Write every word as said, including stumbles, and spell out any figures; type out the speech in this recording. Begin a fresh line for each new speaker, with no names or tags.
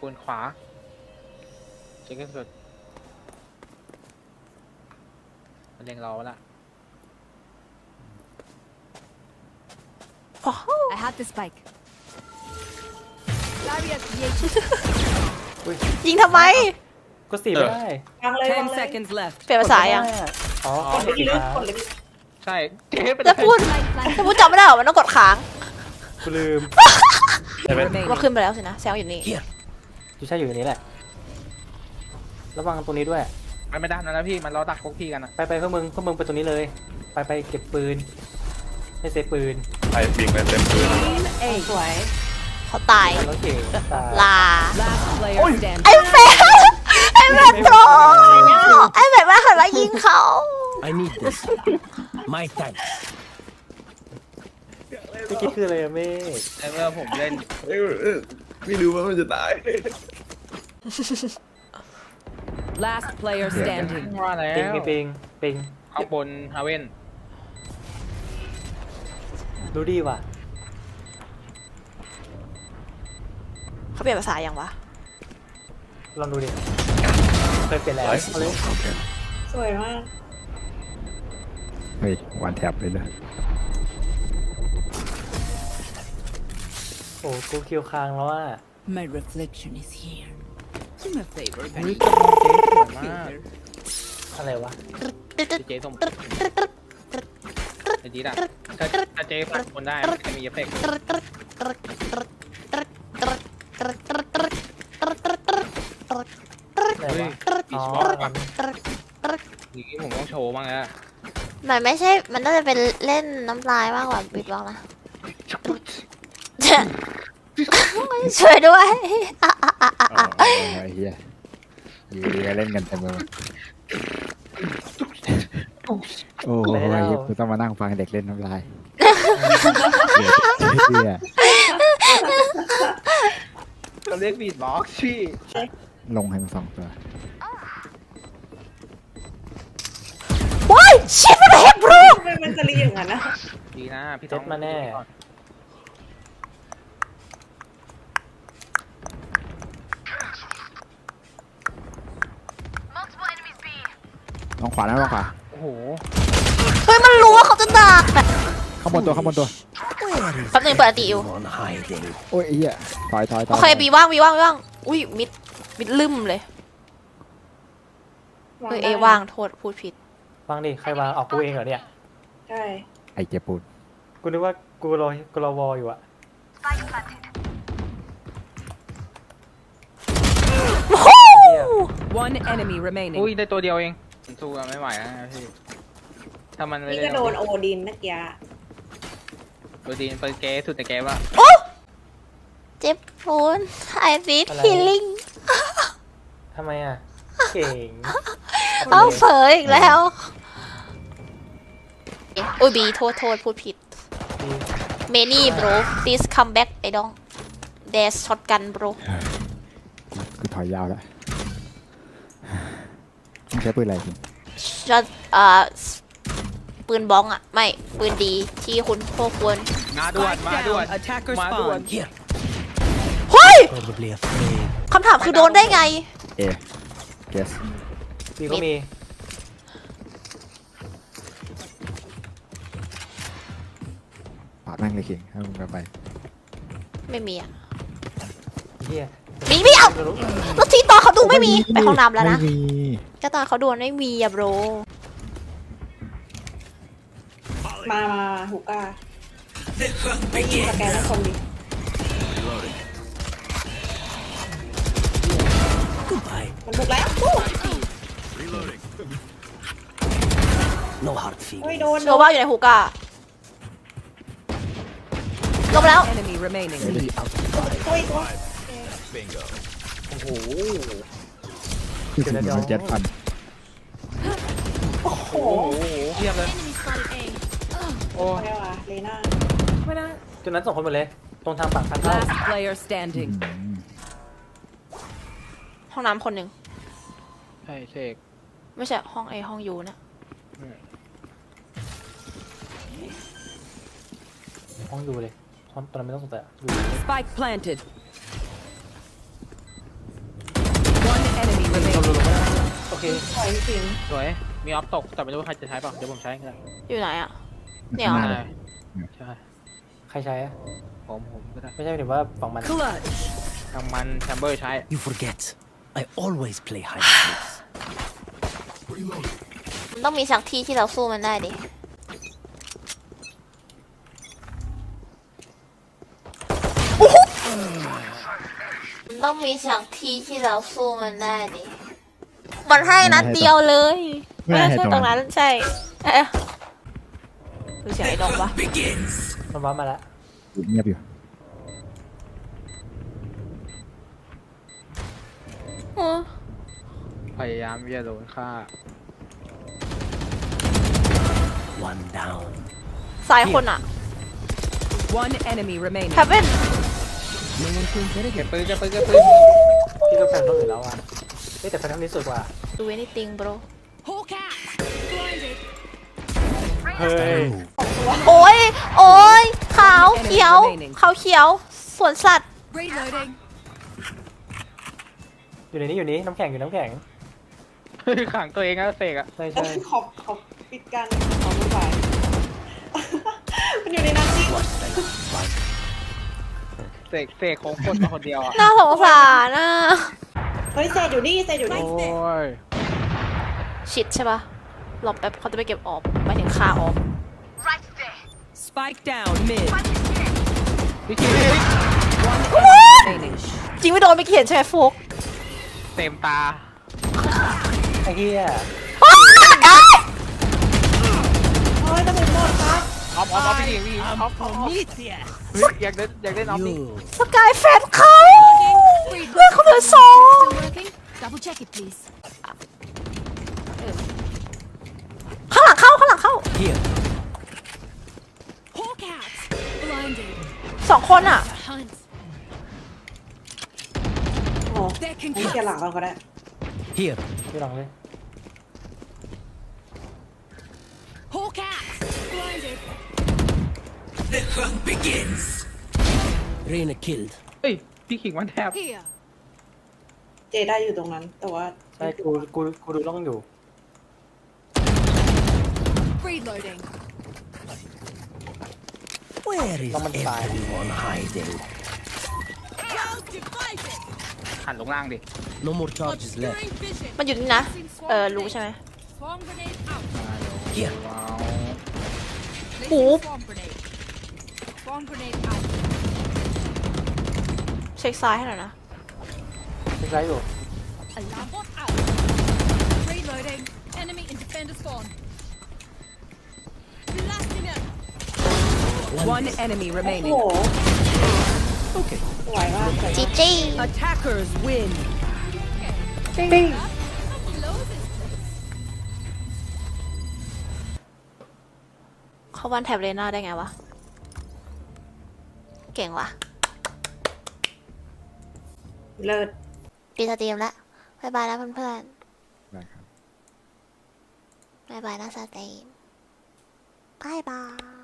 ปูนขวาเช็คสุดมันเล็งเราละ
I have the spike.
ยิงทำไม
ก็สีไม่ได้
วางเลยวาง
Ten
เลย
seconds left.
เปลี่ยนภาษายัง
อ๋อก
ดเลยพี่ลึกกดเลยพี่
ใช่เจ๊เป็น
จะพูดจะพูดจำไม่ได้หรอมันต้องกดค้าง
กูลืมแต่เป็น
ว่าขึ้นไปแล้วสินะแซวอยู่นี่
ยูใช่อยู่ในนี้แหละระวังตรงนี้ด้วย
มันไม่ได้นะนะพี่มันรอดักพวกพี่กันนะ
ไปไปพวกมึงพวกมึงไปตรงนี้เลย ไปไปเก็บปืนให้เซฟปืน
ไอ้ปิงไปเต็มปืน
สวย
เขาตาย
แล้วเก่งตาย
ลา
Last player standing.
ไอ้เฟรไอ้แบบโตไอ้แบบว่าหันมายิงเขา
I need this. My thanks.
เมื่อกี้คืออะไรอะเมฆ
ไอ้เมื่อผมเล่น
เอ้ยเอ้ยไม่รู้ว่ามันจะตาย
Last player standing.
ว่าแล้
ปิง
ว
มีปิงปิง
เอาบนฮาเว่น
ดูดีว่ะ
เขาเปลี่ยนภาษายังวะ
ลองดูดิเคยเปลี่ยนแล้ว
Nice.
เอาเลย
สวยมาก
เฮ้ยวันแท็บเลยเลย
โอ้กูคิวค้างแล้วอ่ะ
My reflection is here. Do me a favor,
เฮ้ยกระมองเจ๊สวยมาก
อะไรวะ
เจ๊ส่งไอ้จีดอะถ้าถ้าเจ๊ฟันคนได้มันจะมีเอฟเฟกต์
ไหน
เฮ้ยว
ะ
บี
อ๋อ
ชบอลป่ะอย่างนี้ผมต้องโชว์บ้างแล้ว
มันไม่ใช่มันน่าจะเป็นเล่นน้ำลายมากกว่าบิดบอกนะช่วยด้วย
ไอ้เหี้ยอยูดีก็เล่นกันเต็มไปหมดโอ้โหกูต้องมานั่งฟังเด็กเล่นน้ำลายเหี้ย
เราเรียกบีดบ็อกซ์พี่
ลงให้มาสองตัว
ว้ายชิบไม่ได้เฮกบรู
ทำไมมันจะรีอย่างนั้นนะ
ดีนะพี่
เจ็
ต้
ด
อง
มาแน่
ลองขวานะลองขวา
โอ้โห
เฮ้ยมันรู้ว่าเขาจะดัก
ข้างบนตัวข้างบนตัว
แป๊บนึงเปิดอติอยู่
On hiding.
โอ้ยไอ้เหี้ยถอยถอยถอย
โอเคบีว่างบีว่างบีว่างอุ้ยมิดมิดลืมเลยเออเอว่างโทษพูดผิด
ฟังดิใครวางออกกูเองเหรอเนี่ย
ใช่
ไอ้เจ็บปูน
กูนึกว่ากูรอกูรอวออยู่อะ
One enemy remaining.
อุ้ยได้ตัวเดียวเองผมสู้กันไม่ไหวนะพี่ถ้ามันไม่
นี่
ได้
ก็โดนโอดินเมื่อกี้
โดนดีนเปิดเกสุดแต่แกว่า
โอ้เจ็บปูนไอซีดฮีลิ่ง
ทำไมอะเก่ง
เอาเผยอีกแล้วอุ้ยบีโทษโทษพูดผิด
ดี
เมนี่ bro please come back ไอ้ดอง there's shotgun bro
กูถอยยาวแล้วมึงใช้ปืนอะไรจริง
shot เอ่อปืนบ้องอะไม่ปืนดีที่คุณพวกควร
มาด่วน
Spike
มาด่วน
down. Attacker
มาด่วน
spawn.
Here.
เฮ้ย
Probably afraid.
คำถามคือโดนได้ไง
เอเกส
ดีก็มี
ปาดแม่งเลยคิงให้มึงไป
ไม่มีอะ
เฮีย
มีไม่เอาแล้วที่ตอนเขาดูไม่มีไปห้องน้ำแล้วนะ
ไม่มี
ก็ตอนเขาดูไม่มีอะ bro
มามาหูก้าไม่ยิงสแกนให้คนดิ
Goodbye.
มันถูกแล้วปุ๊บ
No hard
เฮ้ย
feelings.
โดน
โนว่าอยู่ในฮูก้าลงแล้ว
Enemy remaining.
ตัวอีกตัว
โอ้โห
คือสิ่งที่มันเจ็ดพัน
โอ้โห
โอ้โหเทียบเลยโอ้
อะไรวะเลน่า
ไม่ได้จุดนั้นสองคนหมดเลย ตรงทางปากทางเข้า
Last player standing.
ห้องน้ำคนหนึ่ง
ใช่เสก
ไม่ใช่ห้องเอห้องยูนะ
ห้องดูเลยห้องตอนนั้นไม่ต้องสนใจอะดู
Spike planted.
เค
ปล่อยพี่คิง
สวยมีออฟตกแต่ไม่รู้ว่าใครจะใช้เปล่าเดี๋ยวผมใช้ก็ได้
อยู่ไหนอะเนี่ยเหรอ
ข้างหน้า
ใช่ใช่
ใครใช้อะ
ผมผมก็ได้
ไม่ใช่หมายถึงว่าฝั่งมัน
Clutch.
ทางมันแชมเบอร์ใช้
You forget. I always play hide and seek.
มันต้องมีสักที่ที่เราสู้มันได้ดิมันต้องมีสักที่ที่เราสู้มันได้ดิ มันให้นัดเดียวเลย
ไม่ให้
ใช่
ต
ต
ร
รง ง
นั้
นั้น นใช่เอ๊ะดูเสียงไอ้ดงปะ
มันวับมาแล้ว
เงียบอยู่
เออ
พยายามที่จะโดนฆ่า
One down.
ซ้ายคนอะ
One enemy remaining.
แฮปเ e น
No one can get
เก็บ
again.
ปืนเก็บปืนเก็บปืน
พี่ก็แฟนต้องอื่นแล้วอ่ะเฮ้ยแต่แฟนต้องนี้สวยกว่า
ดู anything bro
Hawk out. Blinded.
เฮ้ย
โอ้ย โอ้ยขาวเขียวขาวเขียวสวนสัตว์
Reloading.
อยู่ในนี้อยู่นี้น้ำแข็งอยู่น้ำแข็ง
ขังตัวเองแล้วเสกอะ
ใช่
เอ้
ใช่
ยขอบขอบปิดกันขอบคุณฝ่ายมันอยู่ในนั้นจริง
เสกเสกคงคนมาคนเดียวอะ
น่าสงสารน่ะ
เฮ้ยเซตอยู่นี่เซตอยู่
โอ้
นี่
ย
ชิดใช่ปะหลบแป๊บเขาจะไปเก็บออฟไปถึงคาออฟ
Spike down mid.
พี่คิว
Remaining.
จริงไม่โดนไม่เขียนใช่ไหมฟุก
เต็มตา
ไอ้เหี้ย
เฮ้ยจะเป็นหมดครับ
ออฟออฟออฟพี่คิวพี่ออฟออฟออฟเฮ้ยอยากได้อยากได้น้องนี่
You.
สกายแฟนเขาเลือกเขาเหลือสอง
Working. Double check it, please.
ข้างหลังเข้าข้างหลังเข้า
Here.
Hawk out. Blinded.
สองคนอ่ะ
Hunt.
โอ้
They can
นี่เกียร์หลังก่อนก็ได้
Here.
พี่ลองเลย
Hawk out. Blinded.
Reina killed.
เฮ้ยพี่ขิงมันแทบ
Here.
เจได้อยู่ตรงนั้น แต่ว่า
ใช่กูกูกูดูล่องอยู่
Reloading.
Where is
Someone died.
everyone hiding?
หันลงล่างดิ
No more charges left.
Obscuring vision.
มันอยู่นี่นะ เออรู้ใช่ไหม
Swarm grenade out.
Here.
ว้าว
โอ้
Swarm grenade. Swarm grenade out.
เช็คซ้ายให้หน่อยนะ
ใช่อยู่
Alarm bot out. Reloading. Enemy in defender spawn. Blasting it. One enemy
โอ้
remaining.
โห
Okay.
สวยมากสวย
จี
มาก
จี
Attackers win.
ปิ้ง
เขาวันแท็บเลน่าได้ไงวะ เก่งว่ะ
เลิศ
ปีสตรีมแล้วบายบายนะเพื่อน
ได้ครับ
ๆบายบายนะสตรีมบายบาย